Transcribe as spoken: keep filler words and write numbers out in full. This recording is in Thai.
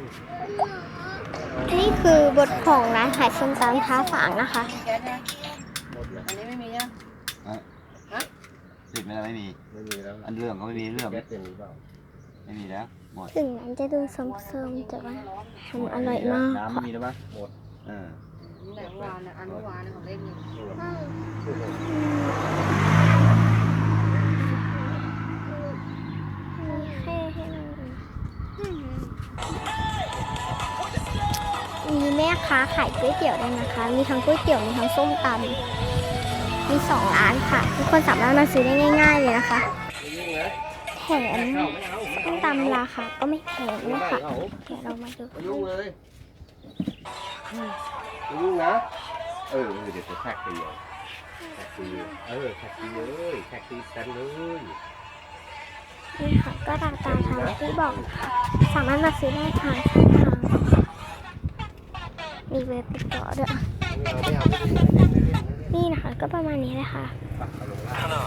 นี่คือบทของร้านขายส้มตำท้าฝางนะคะอันนี้ไม่มีอ่ะฮะติดไม่ได้ไม่มีไม่มีแล้วอันเรื่องก็ไม่มีเรื่องไม่มีแล้วหมดถึงนั้นจะดูส้มๆแต่ว่าทำอร่อยมากน้ำไม่มีแล้วปะหมดเออแต่วานอันวานของเล่นหนึ่งมีแม่ค้าขายก๋วยเตี๋ยวด้วยนะคะมีทั้งก๋วยเตี๋ยวมีทั้งส้มตำมีสองร้านค่ะทุกคนสามารถมาซื้อได้ง่ายๆเลยนะคะแถมส้มตำราคาก็ไม่แพงด้วยค่ะเดี๋ยวเรามาดูยุ่งเลยยุ่งนะเออเดี๋ยวจะแท็กตีแท็กตีเออแท็กตีเลยแท็กตีกันเลยนี่ค่ะก็ตามตามทางที่บอกค่ะสามารถมาซื้อได้ทางช่องทางมีเว็บติดต่อด้วยนี่นะคะก็ประมาณนี้เลยค่ะ